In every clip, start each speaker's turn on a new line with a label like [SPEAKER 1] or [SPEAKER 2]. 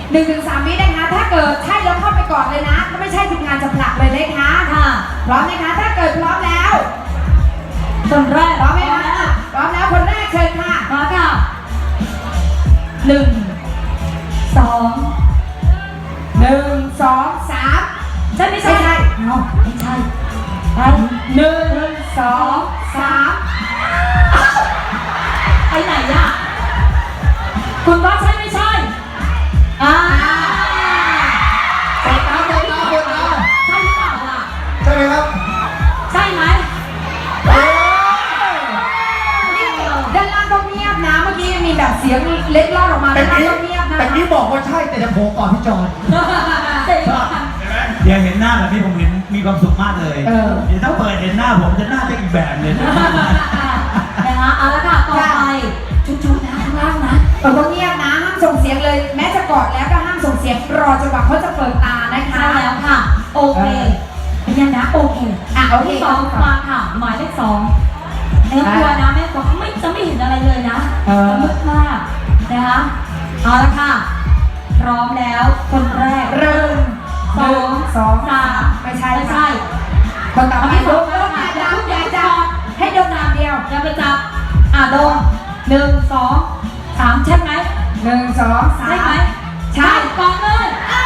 [SPEAKER 1] 1-3 วินะคะถ้าเกิดใช่แล้วเข้าไปก่อนเลยนะถ้าไม่ใช่ทีมงานจะผลักเลยนะคะค่ะพร้อมนะคะถ้าเกิดพร้อมแล้วคนแรกพร้อมไหมคะพร้อมแล้วคนแรกเชิญค่ะพร้อมค่ะ1 2 1 2 3ใช่ไม่ใช่เอาไม่ใช่ไป1 2 3ไปไหนอ่ะคุณว่าใช่ไม่ใช่
[SPEAKER 2] หมดแล้วหมดแล้วหมดแล้ว
[SPEAKER 1] ใช่หรือเปล่าล่ะ
[SPEAKER 2] ใช่ไหมครับ
[SPEAKER 1] ใช่ไหมนี่ด้านล่างก็เงียบนะเมื่อกี้มีแบบเสียงเล็ดลอดออกมาด้านล่างก็เงียบนะ
[SPEAKER 2] แต่นี้บอกว่าใช่แต่จะโผล่ก่อนพี่จอน
[SPEAKER 3] เดี๋ยวเห็นหน้าแบบนี้ผมเห็นมีความสุขมากเลยเดี๋ยวถ้าเปิดเห็นหน้าผมจะหน้าจะอีกแบบเลย
[SPEAKER 1] นะคะเอาละค่ะต่อไปจุ๊ๆนะข้างล่างนะก็เงียบนะห้ามส่งเสียงเลยแม้จะกอดแล้วก็ห้ามส่งเสียงรอจังหวะเขาจะเปิดตานะคะใช่แล้วค่ะโอเคเป็นยังนะโอเคโอเค2มาค่ะหมายเลข2กลัวนะแม่บอกไม่จะไม่เห็นอะไรเลยนะมืดมากนะคะเอาละค่ะพร้อมแล้วคนแรกเริ่ม2 3ไม่ใช่คนต่อไปโดนอย่าจับให้โดนนามเดียวอย่าไปจับโดน1 2 3ใช่ไหม1 2 3ใช่ไหมใช่ก่อนเลย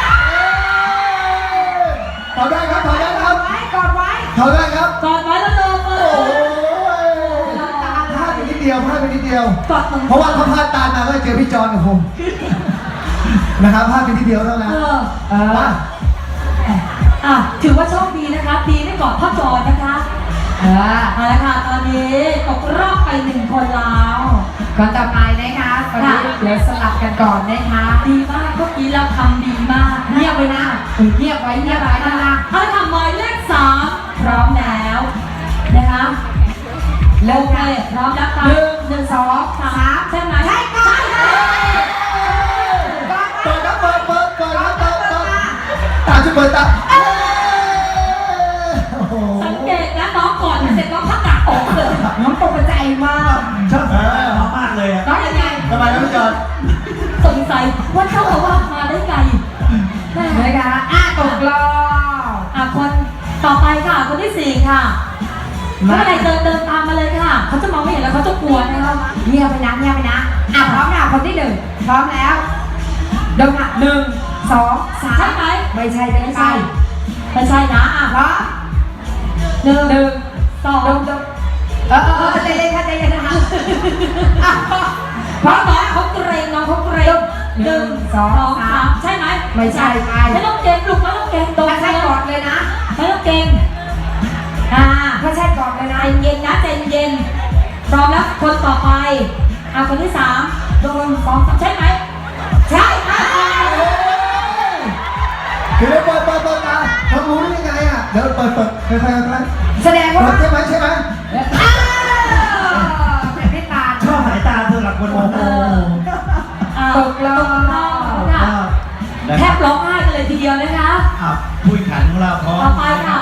[SPEAKER 2] ถอดได้ครับถอดได้ครับ
[SPEAKER 1] กอดไว้
[SPEAKER 2] ถอดได้ครับ
[SPEAKER 1] กอดไว้แล้วโดนเล
[SPEAKER 2] โอ้
[SPEAKER 1] ย
[SPEAKER 2] ยพลาดไปนิดเดียวพลาดไปนิดเดียว
[SPEAKER 1] กอดตรง
[SPEAKER 2] เพราะว่าเขาพลาดตามมาก็เจอพี่จอนกับผมนะครับพลาดไปนิดเดียวเท่านั้นว่า
[SPEAKER 1] ถือว่าโชคดีนะคะดีได้กอดพ่อจอนนะคะเอาละค่ะตอนนี้ตกรอบไป1 คนแล้วคนต่อไปนะคะตอนนี้เดี๋ยวสลับกันก่อนนะคะดีมากเมื่อกี้เราทำดีมากเงียบไว้นะเงียบไว้นะคะเอาละค่ะหมายเลข3พร้อมแล้วนะคะเริ่มเลยพร้อมแล้วค่ะ1 2 3ใช่ไหมใช่ค่ะ
[SPEAKER 2] เปิดครับเปิดครับเปิดตาช่วยเปิดตา
[SPEAKER 1] สังเกตนะน้องก่อนเสร็จน้องพักกาดออกเลยน้องตกใจมาก
[SPEAKER 2] ชอบ
[SPEAKER 3] มากเลย
[SPEAKER 1] น้องยังไง
[SPEAKER 2] ทำไมครับพี่จอน
[SPEAKER 1] สงสัยว่าเจ้าอาวาสมาได้ไงนะคะตกรอบคนต่อไปค่ะคนที่4ค่ะเมื่อไรเดินตามมาเลยค่ะเขาจะมองไม่เห็นแล้วเขาจะกลัวนะครับเงียบไปนะพร้อมค่ะคนที่1พร้อมแล้วเดินค่ะ1 2 3ใช่ไหมไม่ใช่นะพร้อม1 2 2เลยค่ะใจเย็นนะคะพร้อมแล้วเขาเกรงน้องเขาเกรง1 2 3ใช่ไหมไม่ใช่ไม่ต้องเกรงลูกไม่ต้องเกรงถ้าใช่กอดเลยนะไม่ต้องเกรงถ้าใช่กอดเลยนะเย็นนะใจเย็นพร้อมแล้วคนต่อไปคนที่3โดน2 3ใช่ไหมใช่
[SPEAKER 2] คือได้เปิดตาเขารู้ได้ยังไงเดี๋ยวเปิดค่อย
[SPEAKER 1] แสดงว่า
[SPEAKER 2] ใช่ไหม
[SPEAKER 1] เป็นไม่ตา
[SPEAKER 3] ชอบสายตาเธอหลักคนโอ้โห
[SPEAKER 1] ตกรอบแทบร้องไห้กันเลยทีเดียวนะคะ
[SPEAKER 3] ผู้แข่งขันของเราพร้อม
[SPEAKER 1] ต่อไปค่ะ